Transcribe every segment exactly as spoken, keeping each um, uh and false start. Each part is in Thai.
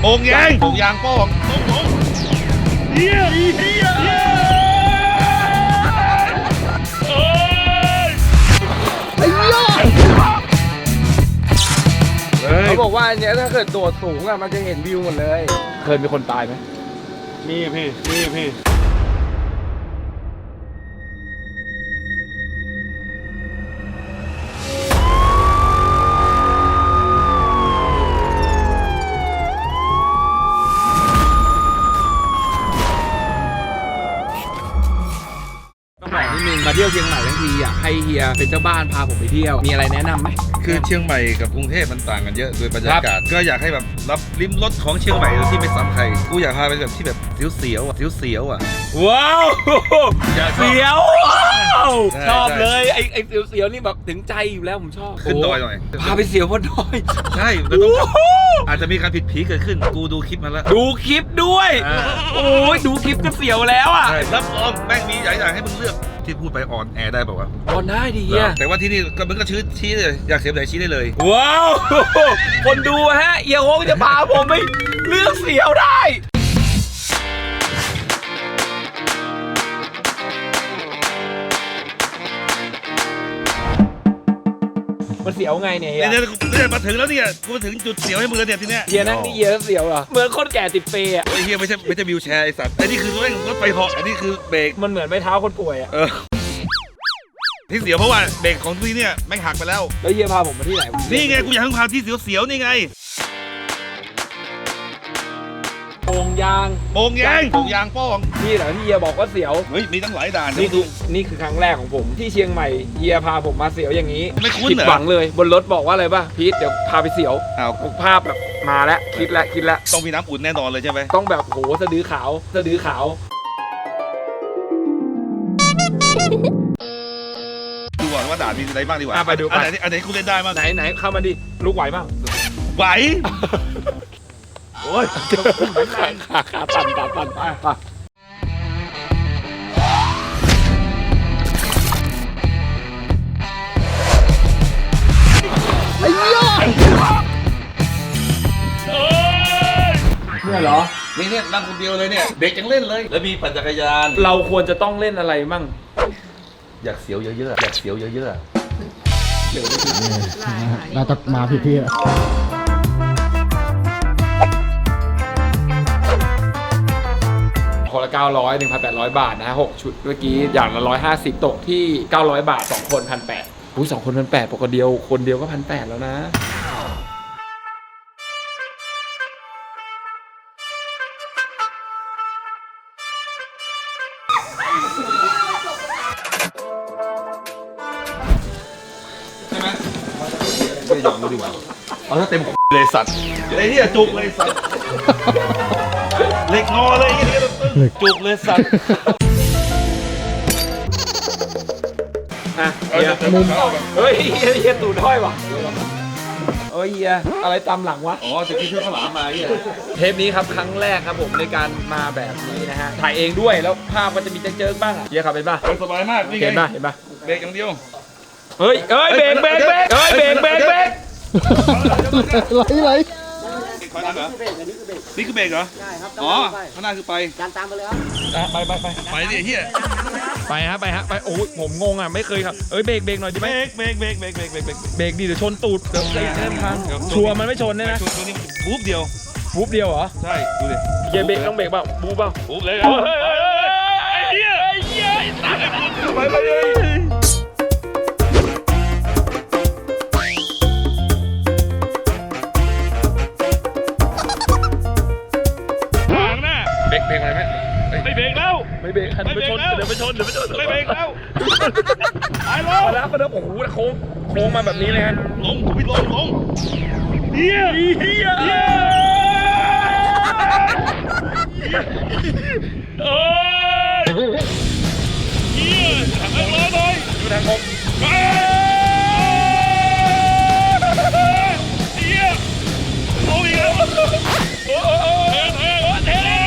โป่งยางโป่งยางโป้งโป่งโป่งเฮียเฮียเฮียโอ้ยไอ้ยอดเขาบอกว่าอันเนี้ยถ้าเกิดโดดสูงอะมันจะเห็นวิวหมดเลยเคยมีคนตายไหมมีพี่มีพี่นิดนึงมาเที่ยวเชียงใหม่ทั้งทีอ่ะให้เฮียเป็นเจ้าบ้านพาผมไปเที่ยวมีอะไรแนะนำไหมคือเชียงใหม่กับกรุงเทพมันต่างกันเยอะโดยบรรยากาศก็อยากให้แบบรับลิ้มรสของเชียงใหม่ที่ไม่ซ้ำใครกูอยากพาไปแบบที่แบบเสียวๆอ่ะเสียวๆอ่ะว้าวเสียวชอบเลยไอ้ไอ้เสียวๆนี่แบบถึงใจอยู่แล้วผมชอบขึ้นดอยหน่อยพาไปเสียวบนดอยใช่แล้วต้องอาจจะมีการผิดผีเกิดขึ้นกูดูคลิปมาแล้วดูคลิปด้วยโอ้ยดูคลิปก็เสียวแล้วอ่ะรับรองแม่งมีหลายอย่างให้มึงเลือกที่พูดไปออนแอร์ได้ป่าววะออนได้ดิเฮียแต่ว่าที่นี่ก็มึงก็ชี้ชี้เลยอยากเสียบไหนชี้ได้เลยว้าวคนดูฮะเอียโฮงจะพาผมไปเลือกเสียวได้มันเสียวไงเนี่ยเฮียเนี่ยเนี่ยมาถึงแล้วเนี่ยกูมาถึงจุดเสียวให้มึงแล้วเนี่ยทีเนี้ยเฮียนั่งนี่เฮียเสียวเหรอเหมือนคนแก่ติดเปย์อ่ะไอ้เฮียไม่ใช่ไม่ใช่วิวแชร์ไอ้สัตว์ไอ้นี่คือรถรถไฟเหาะอันนี้คือเบรกมันเหมือนไม้เท้าคนป่วยอ่ะเออที่เสียวเพราะว่าเบรกของที่เนี่ยแม่งหักไปแล้วแล้วเฮียพาผมมาที่ไหนนี่ไงกูอยากให้พาที่เสียวๆนี่ไงโป่งยางโป่งยางโป่งยางโป้งนี่เหรอที่เฮียบอกว่าเสียวเฮ้ยมีตั้งหลายด่านนี่คือนี่คือครั้งแรกของผมที่เชียงใหม่เฮียพาผมมาเสียวอย่างนี้ไม่คุ้นเหรอผิดหวังเลยบนรถบอกว่าอะไรป่ะพีทเดี๋ยวพาไปเสียวอ้าวภาพแบบมาแล้วคิดแล้วคิดแล้วต้องมีน้ำอุ่นแน่นอนเลยใช่ไหมต้องแบบโหสะดือขาวสะดือขาวดูก่อนว่าด่านมีอะไรบ้างดีกว่าไปดูอันไหนอันไหนคุณเล่นได้บ้างไหนไหนเข้ามาดิลูกไหวบ้างไหวโอ้ยขาขาขาปั่นปั่นปั่นไปไปไอ้ยอดเนี่ยเหรอนี่เนี่ยนั่งคนเดียวเลยเนี่ยเด็กยังเล่นเลยแล้วมีปั่นจักรยานเราควรจะต้องเล่นอะไรมั่งอยากเสียวเยอะๆอยากเสียวเยอะๆน่าจะมาผิดที่คนละเก้าร้อย หนึ่งพันแปดร้อย บาทนะฮะหกชุดเมื่อกี้อย่างละหนึ่งร้อยห้าสิบตกที่เก้าร้อยบาทสองคน หนึ่งพันแปดร้อย อุ้ยสองคน หนึ่งพันแปดร้อยปกติเดียวคนเดียวก็ หนึ่งพันแปดร้อย แล้วนะใช่ไหมไม่ยอมดูดีกว่าเอาถ้าเต็มเลยสัตว์ไอ้เนี่ยจุกเลยสัตว์เล็กงอเลยไอ้เนี่ยจุกเลยสัตว์อ่ะเฮียเฮ้ยเฮียเฮียตูดห้อยว่ะเฮ้ยเฮียอะไรตามหลังวะอ๋อจะกินเพื่อนข้าวหลามมาเฮียเทปนี้ครับครั้งแรกครับผมในการมาแบบนี้นะฮะถ่ายเองด้วยแล้วภาพก็จะมีเจิงๆบ้างอ่ะเฮียขับเป็นป่ะสบายมากนี่ไงเห็นป่ะเห็นป่ะเบรกอย่างเดียวเฮ้ยเฮ้ยเบรกเบรกเบรกเฮ้ยเบรกเบรกเบรกไหลไหลนี่คือเบรกเหรอใช่ครับอ๋อข้างหน้าคือไปการตามไปเลยครับไปไปไปไปดิเฮียไปฮะไปฮะไปโอ้ยผมงงอ่ะไม่เคยครับเอ้ยเบรกเบรกหน่อยดิไหมเบรกเบรกเบรกเบรกเบรกเบรกเบรกดิเดี๋ยวชนตูดเดี๋ยวเส้นทางชัวร์มันไม่ชนเลยนะชนตัวนี้บู๊บเดียวบู๊บเดียวเหรอใช่ดูดิเฮียเบรกต้องเบรกเปล่าบู๊บเปล่าบู๊บเลยไอ้เหี้ยไอ้เหี้ยตายไปไปเลยเบรกเบรกอะไรไหมไม่เบรกแล้วไม่เบรกหันไปชนเดี๋ยวไปชนเดี๋ยวไปชนไม่เบรกแล้วไปลงแล้วก็เดินโอ้โหโค้งโค้งมาแบบนี้เลยฮะลงพี่ลงลงเฮียเฮียเฮียโอ้ยเฮียทางร้อนเลยอยู่ทางผมเฮียโอ้ยโอ้ยเทเท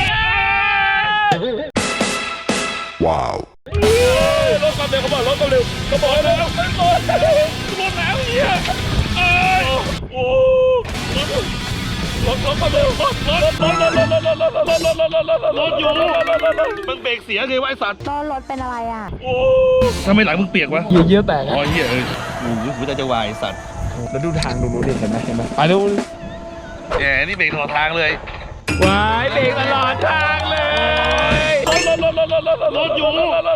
ว้าวรถความเร็วเขาบอกรถความเร็วเขาบอกแล้วรถรถรถแล้วเฮียโอ้โหรถรถถรถมาเร็วรถรถรถรถรถรถรถรถรถรถรถรถรถรถอยู่มันเบรกเสียไงวะไอสัตว์ล้อรถเป็นอะไรอ่ะโอ้ทำไมหลังมึงเปียกวะเยี่ยเยี่ยแตกอ๋อเหี้ยเออโอ้โหหัวใจจะวายไอ้สัตว์แล้วดูทางดูนู้นดิเห็นไหมเห็นไหมไปดูแหมนี่เบรกตลอดทางเลยวายเบรกตลอดทางเลยรถรถรถรถรถรถรถอยู่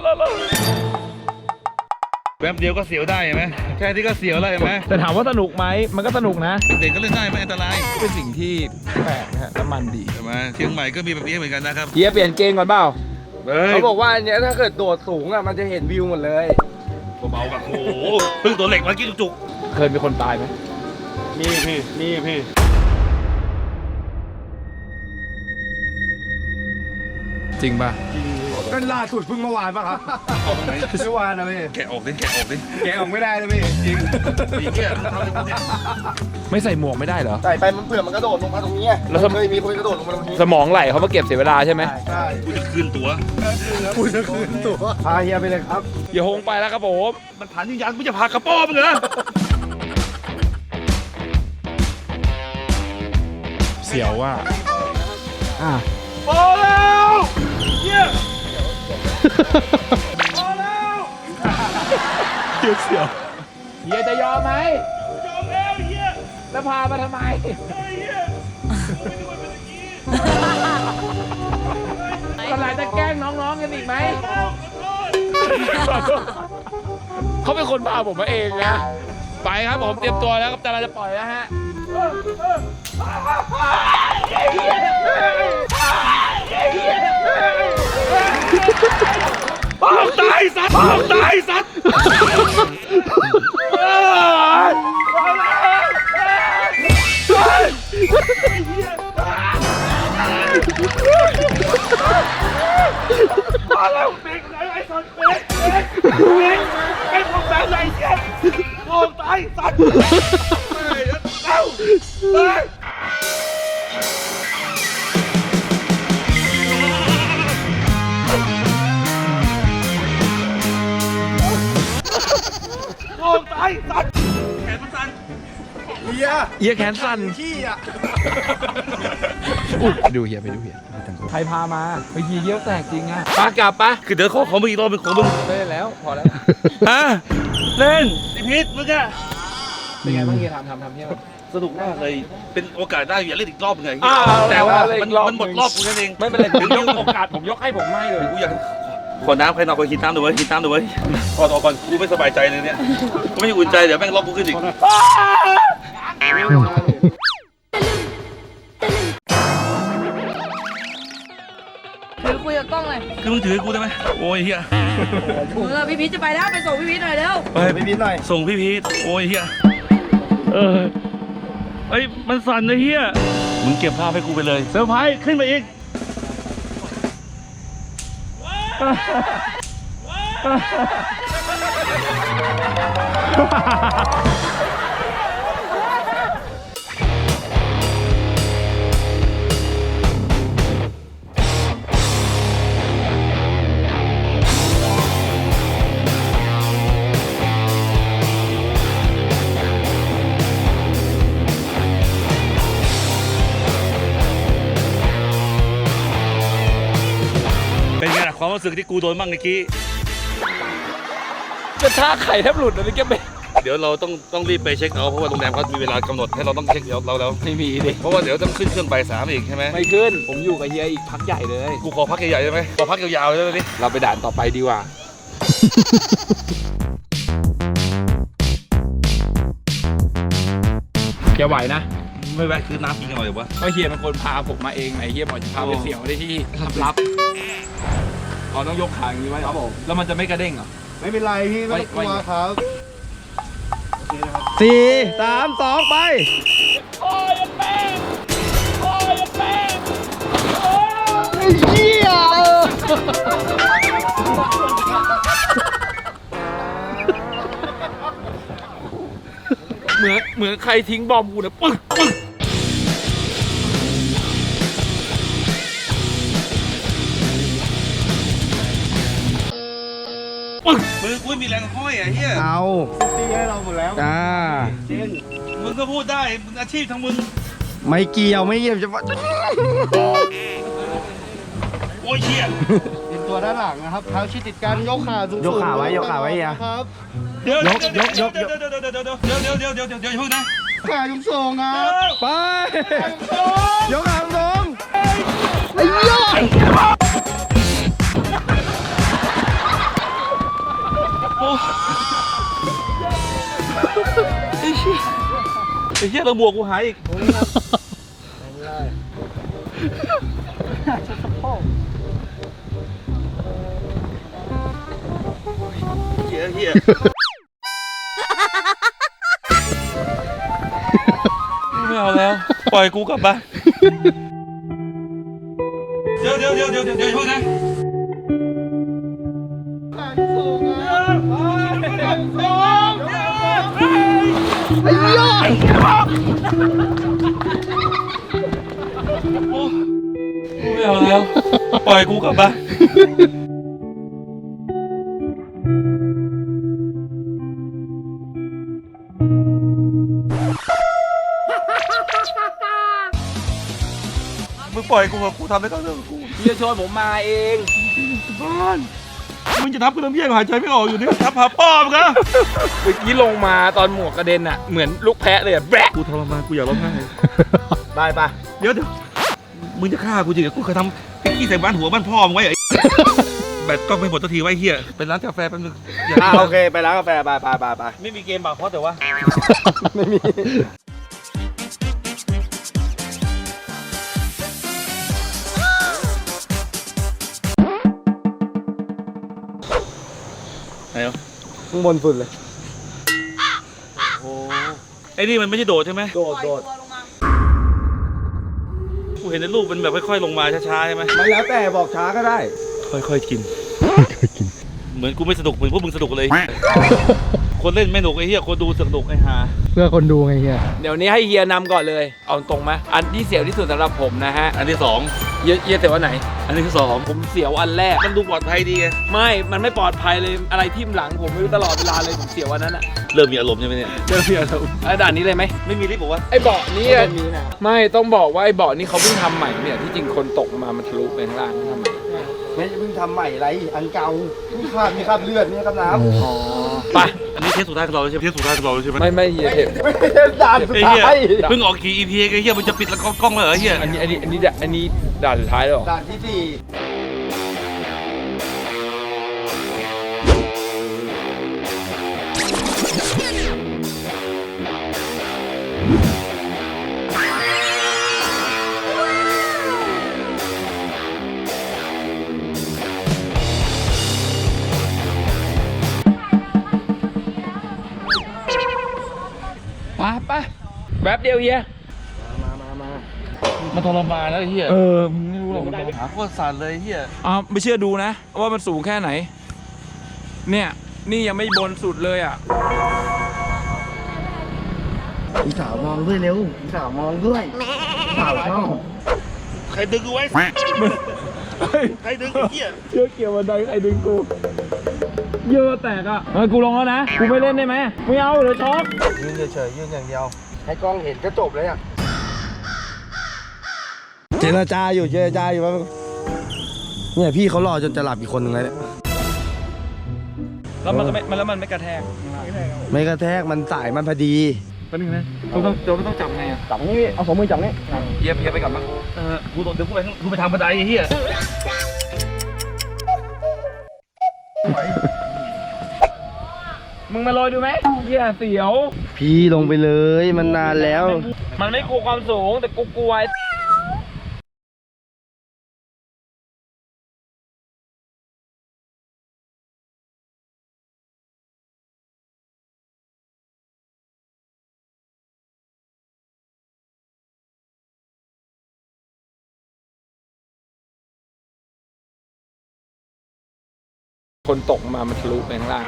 แป๊บเดียวก็เสียวได้เห็นไหมแค่นี้ก็เสียวแล้วเห็นไหมแต่ถามว่าสนุกไหมมันก็สนุกนะเด็กก็เล่นได้ไม่อันตรายเป็นสิ่งที่แปลกนะฮะน้ำมันดีใช่ไหมเชียงใหม่ก็มีแบบนี้เหมือนกันนะครับเฮียเปลี่ยนเกงก่อนเปล่าเฮ้ยเขาบอกว่าอันเนี้ยถ้าเกิดโดดสูงอ่ะมันจะเห็นวิวหมดเลยเบาๆแบบโอ้โหเพิ่งตัวเหล็กมากินจุกเคยมีคนตายไหมๆนี่พี่นี่พี่จริงป่ะก็ล่าสุดเพิ่งเมื่อวานป่ะครับเมื่อวานนะพี่แกะออกดิแกะออกดิแกะออกไม่ได้เลยพี่จริงนี่เหี้ยทำอะไรกูเนี่ยไม่ใส่หมวกไม่ได้เหรอใส่ไปมันเผื่อมันกระโดดลงมาตรงนี้ไงแล้วทำเคยมีคนกระโดดลงมาตรงนี้สมองไหลเขามาเก็บเสียเวลาใช่ไหมใช่กูจะคืนตั๋วกูจะคืนตัวพาเฮียไปเลยครับเฮียฮงไปแล้วครับผมมันผ่านยิงยันกูจะพากระป๋อมึงเหรอเสียวว่าอ่ะพอแล้วเหี้ยพอแล้วเสียวเสียวเฮียจะยอมไหมยอมแล้วเหี้ยแล้วพามาทำไมเฮ้ยเหี้ยไม่ได้ว่าเป็นอย่างนี้อะไรจะแกล้งน้องๆกันอีกไหมขอโทษเขาเป็นคนพาผมมาเองนะ ไปครับผมเตรียมตัวแล้วครับแต่เราจะปล่อยแล้วฮะอ้าวตายสัตว์อ้าวตายสัตว์มาแล้วเบรกไหนไอ้สัตว์เบรกเบรกเบรกไอ้พวกแบบไหนเชี่ยโอ้ตายสัตว์เฮ้ยเอ้าเฮ้ยโอ้ตายสัตว์แขนมันสั่นเฮียเฮียแขนสั่นขี้อ่ะอุ๊ยไปดูเฮียไปดูเฮียใครพามาไปเฮียเยี่ยวแตกจริงอะปากลับปะคือเดี๋ยวขอของมึงอีกรอบเป็นของมึงไม่ได้แล้วพอแล้วฮะเล่นไอพีทมึงอะเป็นไงบ้างเฮียทำทำทำเฮียสนุกมากเลยเป็นโอกาสได้อย่าเล่นอีกรอบไงอ่าแต่ว่าเล่นมันอีกรอบมันหมดรอบกูนั่นเองไม่เป็นไรผมยกโอกาสผมยกให้ผมไม่เลยกูอยากขอน้ำใครนอนคอยกินน้ำดูไว้กินน้ำดูไว้ก่อนออกก่อนกูไม่สบายใจเลยเนี่ยกูไม่อุ่นใจเดี๋ยวแม่งรอบกูขึ้นอีกถือคุยกับกล้องเลยคือมึงถือให้กูได้ไหมโอ้ยเฮียเออพี่พีชจะไปแล้วไปส่งพี่พีชหน่อยเร็วไปไปนิดหน่อยส่งพี่พีทโอ้ยเฮียเออเอ้ยมันสั่นนะเฮียมึงเก็บภาพให้กูไปเลยเซอร์ไพรส์ขึ้นมาอีก เป็นไงล่ะความรู้สึกที่กูโดนบ้างเมื่อกี้กระชากไข่แทบหลุดเลยแกไม่เดี๋ยวเราต้องต้องรีบไปเช็คเอาท์เพราะว่าโรงแรมเขามีเวลากำหนดให้เราต้องเช็คเอาท์เราแล้วไม่มีดิเพราะว่าเดี๋ยวต้องขึ้นเครื่องบ่ายสามอีกใช่ไหมไม่ขึ้นผมอยู่กับเฮียอีกพักใหญ่เลยกูขอพักใหญ่ๆได้ไหมขอพักยาวๆได้ไหมเราไปด่านต่อไปดีกว่า แกไหวนะไม่แวะคือน้ำกินกันหน่อยวะเพราะเฮียเป็นคนพาผมมาเองไงเฮียบอกจะพาไปเสี่ยวได้ที่ลับๆอ๋อต้องยกขาอย่างนี้ไว้ครับผมแล้วมันจะไม่กระเด้งเหรอไม่เป็นไรพี่ไม่ต้องกลัวครับสี่สามสองไป เหี้ยเหมือนเหมือนใครทิ้งบอมกูนะปึ๊กปึ๊กมือกูไม่มีแรงห้อยอ่ะเฮียเอาตีให้เราหมดแล้วอ่าจริงมึงก็พูดได้มึงอาชีพทางมึงไม่เกี่ยวไม่เกี่ยวจะโอ้ยเชี่ยเป็นตัวด้านหลังนะครับเท้าชิดติดกันยกขาสูงๆยกขาไว้ยกขาไว้อ่ะครับเดี๋ยวเดี๋ยวเดี๋ยวเดี๋ยวเดี๋ยวเดี๋ยวเดี๋ยวเดี๋ยวเดี๋ยวเดี๋ยวเดี๋ยวเดี๋ยวเดี๋ยวเดี๋ยวเพิ่งนะขาสูงๆครับไปยกขาลงไอ้เหี้ยโอ้ไอ้เชี่ยไอ้เชี่ยเราบวกกูหายอีกเฮียเฮียไม่เอาแล้ว ปล่อยกูกลับบ้านเดี๋ยวเดี๋ยวเดี๋ยวเดี๋ยวเดี๋ยวเดี๋ยวเพิ่งนะขาสูงครับขาสูงไอ้เหี้ยโอ้ไม่เอาแล้ว ปล่อยกูกลับบ้านมึงปล่อยกูเถอะกูทำได้ก็เรื่องของกูเฮียชวนผมมาเองบ้านมึงจะทับกูน้ำเยี่ยงหายใจไม่ออกอยู่เนี่ยทับหาป้อมกันเมื่อกี้ลงมาตอนหมวกกระเด็นอ่ะเหมือนลูกแพะเลยอะแบะกูทรมานกูอยากร้องไห้ไปไปเดี๋ยวเดี๋ยวมึงจะฆ่ากูจริงเหรอกูเคยทำพิกกี้ใส่บ้านหัวบ้านพ่อมึงไว้เหรอไอ้แบตกล้องไม่หมดสักทีไว้เฮียเป็นร้านกาแฟแป๊บนึงอย่าอ่าโอเคไปร้านกาแฟไปไปไปไปไม่มีเกมบาร์โค้ดแต่ว่าไม่มีไหนวะข้างบนสุดเลยโอ้ไอ้นี่มันไม่ใช่โดดใช่ไหมโดดโดดกูเห็นในรูปมันแบบค่อยๆลงมาช้าๆใช่ไหมมันแล้วแต่บอกช้าก็ได้ค่อยๆกินเหมือนกูไม่สนุกเหมือนพวกมึงสนุกเลย คนเล่นไม่สนุกไอ้เหี้ยคนดูสนุกไอ้ห่าเพื่อคนดูไงเฮียเดี๋ยวนี้ให้เฮียนำก่อนเลย เอาตรงไหมอันที่เสียวที่สุดสำหรับผมนะฮะอันที่สองเฮียเฮียเสียวอันไหนอันที่สองผมเสียวอันแรกมันดูปลอดภัยดีไงไม่ มันไม่ปลอดภัยเลย อะไรทิ่มหลังผมไม่รู้ตลอดเวลาเลย ผมเสียววันนั้นอะเริ่มมีอารมณ์ใช่ไหมเนี่ยเจอเสียวไอ้ด่านนี้เลยไหมไม่มีลิฟต์บอกว่าไอ้เบาะนี้อะไม่ต้องบอกว่าไอ้เบาะนี้เขาเพิ่งทำใหม่เนี่ยที่จริงคนตกมามันทะลุไปข้างล่างทำใหม่ไม่เพิ่งทำใหม่ไรอันเก่ามีคราบมีคราบเลือดนี่ครับน้ำอ๋อไปอันนี้เทสสุดท้ายของเราใช่ไหมเทสสุดท้ายของเราใช่ไหมไม่ไม่เฮียเทปไม่ใช่ด่านสุดไอ้เหี้ยท้ายเพิ่งออกกี่ อี พี ไอ้เหี้ยมันจะปิดแล้วกล้องเลยเหรอเหี้ยอันนี้อันนี้อันนี้อันนี้ด่านสุดท้ายแล้วเหรอด่านที่สี่ไปไปแป๊บเดียวเฮียมันทรมานแล้วไอ้เหี้ยเออมึงไม่รู้หรอกมันหาโคตรสั่นเลยไอ้เหี้ยอ้าวไม่เชื่อดูนะ ว่ามันสูงแค่ไหน เนี่ยนี่ยังไม่บนสุดเลยอ่ะพี่สาวมองด้วยเร็วพี่สาวมองด้วยสาวชอบใครดึงกูไว้ใครดึงไอ้เหี้ยเชื่อเกี่ยวบันไดใครดึงกูเยอะแตกอ่ะเฮ้ยกูลงแล้วนะกูไม่เล่นได้ไหมไม่เอาเดี๋ยวช็อกยืนเฉยๆยืนอย่างเดียว ให้กล้องเห็นก็จบเลยอ่ะเจรจาอยู่เจรจาอยู่ว่าเนี่ยพี่เขารอจนจะหลับอีกคนหนึ่งเลยเนี่ยแล้วมันก็ไม่มันแล้วมันไม่กระแทกไม่กระแทกมันสายมันพอดีแป๊บนึงนะเราต้องเราต้องจับไงอ่ะจับนี่พี่เอาสองมือจับนี่เยียบเยียบไปกลับมาเออกูโดนเดี๋ยวกูไปข้างกูไปทางบันไดไอ้เหี้ยมึงมาลอยดูไหมเยียเสียวพี่ลงไปเลยมันนานแล้วมันไม่กลัวความสูงแต่กูกลัวไอ้คนตกมามันทะลุไปข้างล่าง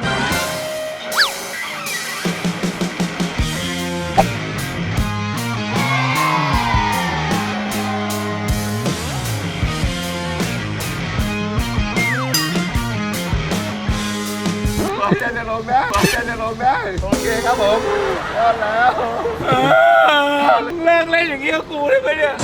จะจะลงได้จะจะลงได้โอเคครับผมรอดแล้วเลิกเล่นอย่างอย่างงี้กับกูได้ไหมเนี่ย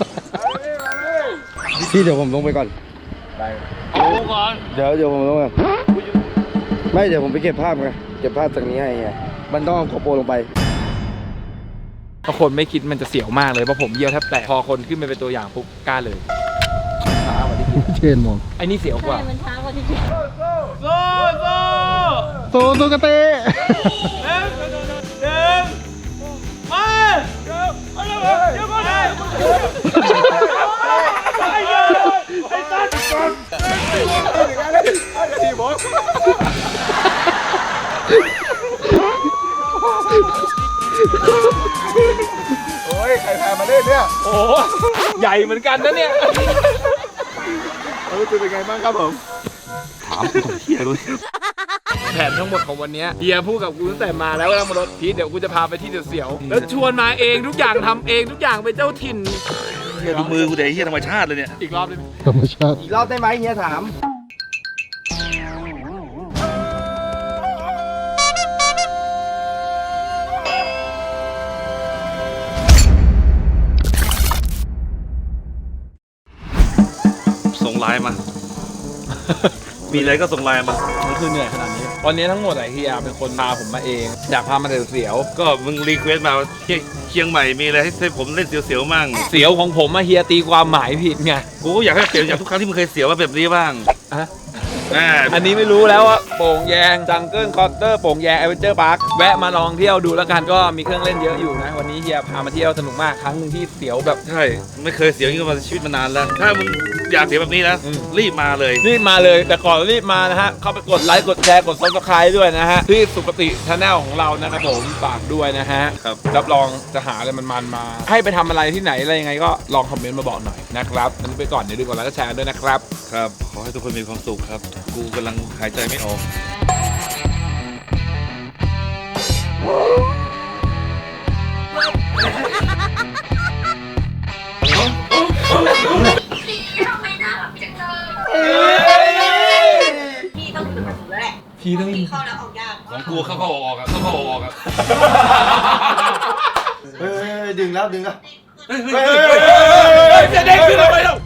พี่เดี๋ยวผมลงไปก่อนเอากูก่อนเดี๋ยวเดี๋ยวผมลงก่อนไม่เดี๋ยวผมไปเก็บภาพไงเก็บภาพตรงนี้ให้ไงมันต้องเอาโกโปรลงไปถ้าคนไม่คิดมันจะเสียวมากเลยเพราะผมเยี่ยวแทบแตกพอคนขึ้นไปเป็นตัวอย่างปุ๊บกล้าเลยช้ากว่าที่คิดเชนมองไอ้นี่เสียวกว่ามันช้ากว่าที่คิดโซ่โซ่โซโซกะเตะหนึ่งหนึ่งมาเดี๋ยวมาเดี๋ยวเดี๋ยวก่อนไอ้เหี้ยไอ้สัตว์ทีบอสโอ้ยใครพามาเล่นเนี่ยโอ้ใหญ่เหมือนกันนะเนี่ยเออเป็นไงบ้างครับผมถามกูเฮียเลยแผนทั้งหมดของวันนี้เฮียพูดกับกูตั้งแต่มาแล้วว่านั่งบนรถพีทเดี๋ยวกูจะพาไปที่เสียวๆแล้วชวนมาเองทุกอย่างทำเองทุกอย่างเป็นเจ้าถิ่นเฮียดูมือกูเดี๋ยวเฮียธรรมชาติเลยเนี่ยอีกรอบได้ไหมธรรมชาติอีกรอบได้ไหมเฮียถามส่งไลน์มา มีอะไรก็ส่งไลน์มามันคือเหนื่อยขนาดนี้วันนี้ทั้งหมดไอ้เฮียเป็นคนพาผมมาเองอยากพามาเสียวก็มึงรีเควสต์มาว่าเชียงเชียงใหม่มีอะไรให้ให้ผมเล่นเสียวๆมั่งๆเสียวของผมมาเฮียตีความหมายผิดไงกูก็อยากให้เสียวอย่างทุกครั้งที่มึงเคยเสียวว่าแบบนี้บ้างอะอ่าอันนี้ไม่รู้แล้วว่าโป่งแยงจังเกิลคอตเตอร์โป่งแยงแอดเวนเจอร์พาร์คแวะมาลองเที่ยวดูแล้วกันก็มีเครื่องเล่นเยอะอยู่นะวันนี้เฮียพามาเที่ยวสนุกมากครั้งหนึ่งที่เสียวแบบใช่ไม่เคยเสียวอย่างนี้มาชีวิตมานานแล้ว ถ้ามึงอยากเสียวแบบนี้นะอืมรีบมาเลยรีบมาเลยแต่ก่อนรีบมานะฮะเข้าไปกดไลค์กดแชร์กดซับสไครต์ด้วยนะฮะที่สุปฏิชาแนลของเรานะครับผมฝากด้วยนะฮะครับรับรองจะหาอะไรมันๆมา ให้ไปทำอะไรที่ไหนอะไรยังไงก็ลองคอมเมนต์มาบอกหน่อยนะครับวันนี้ไปก่อนเดี๋ยวดูก่อนแล้วก็แชร์ด้วยนะครับครับขอให้ทุกคนมีความสุขครับ กูกำลังหายใจไม่ออกพี่ต้องอยู่กับหนูแล้วแหละพี่ต้องพี่เข้าแล้วออกยากของกูเข้าเข้าออกๆอะเข้าเข้าออกๆอะเฮ้ยดึงแล้วดึงแล้วเฮ้ยเฮ้ยเฮ้ยเฮ้ยเฮ้ยจะเด้งขึ้นทำไมเล่า